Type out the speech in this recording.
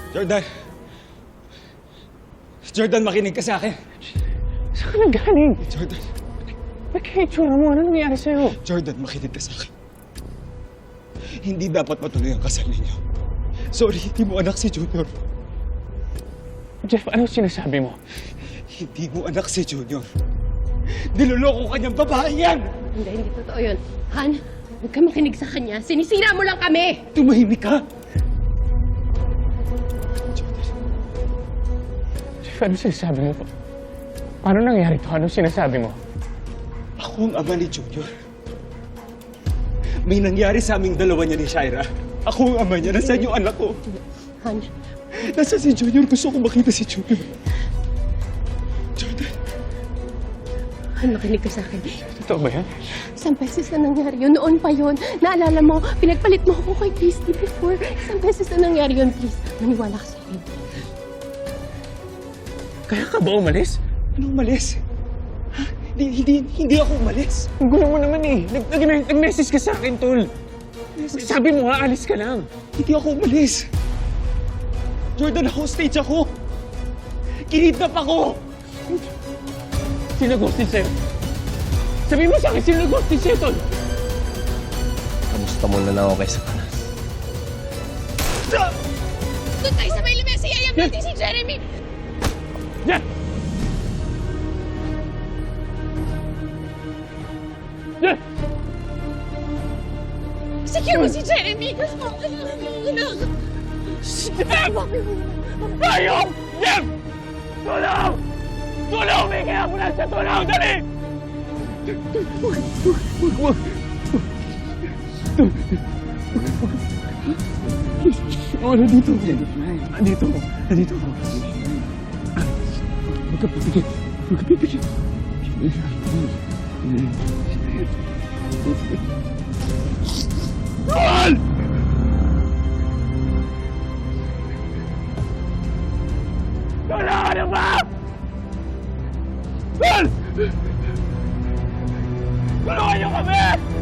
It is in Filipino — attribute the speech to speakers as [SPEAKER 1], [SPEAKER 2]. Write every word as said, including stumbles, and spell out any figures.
[SPEAKER 1] Jordan! Jordan, makinig ka sa akin.
[SPEAKER 2] Saan ka nagaling?
[SPEAKER 1] Jordan.
[SPEAKER 2] Ba't kaya itsura mo? Ano nangyari sa'yo?
[SPEAKER 1] Jordan, makinig ka sa akin. Hindi dapat matuloy ang kasal ninyo. Sorry, hindi mo anak si Junior.
[SPEAKER 2] Jeff, ano sinasabi mo?
[SPEAKER 1] Hindi mo anak si Junior. Niloloko kanyang babae yan!
[SPEAKER 3] Hindi, hindi totoo yun. Han, huwag ka makinig sa kanya. Sinisira mo lang kami!
[SPEAKER 1] Tumahimik ka!
[SPEAKER 2] Jeff, ano sinasabi mo? Paano nangyari to? Ano sinasabi mo?
[SPEAKER 1] Ako ang ama ni Junior. May nangyari sa aming dalawa niya ni Shaira. Ako ang ama niya. Nasaan yung anak ko?
[SPEAKER 3] Han,
[SPEAKER 1] Nasaan si Junior? Gusto ko makita si Junior. Jordan.
[SPEAKER 3] Han, makinig ka sa akin.
[SPEAKER 2] Totoo ba yan?
[SPEAKER 3] Isang beses na nangyari yun. Noon pa yun. Naalala mo, pinagpalit mo ako kay Christy before. Isang beses na nangyari yun, please. Maniwala ka sa akin.
[SPEAKER 2] Kaya ka ba umalis?
[SPEAKER 1] Anong umalis? Ha? Hindi, hindi, hindi ako umalis.
[SPEAKER 2] Ang gulo mo naman eh. Nag- nag- Nag-message ka sa akin, tol. Sabi mo nga, alis ka lang.
[SPEAKER 1] Hindi ako umalis. Jordan, hostage ako. Kinidnap ako.
[SPEAKER 2] Sino ghosted sa'yo? Sabi mo sa akin, sino ghosted sa'yo, tol?
[SPEAKER 4] Kamusta mo na lang ako kay Sapanas?
[SPEAKER 3] Doon tayo sa may lamesa. Iyayam natin si Jeremy.
[SPEAKER 2] Jeff! Jeff!
[SPEAKER 3] Secure mo si Jeremy. Anak.
[SPEAKER 2] Jeff! Ayok! Jeff! Tulong! Tulong! May kaya mo na sa tulong! Dali! Wag, wag, wag, wag. Oh, nandito ako. Nandito ako. Nandito ako. Huwag ka pipikit. Huwag ka pipikit. Tol! Tulungan na ba? Tol! Tulungan niyo kami!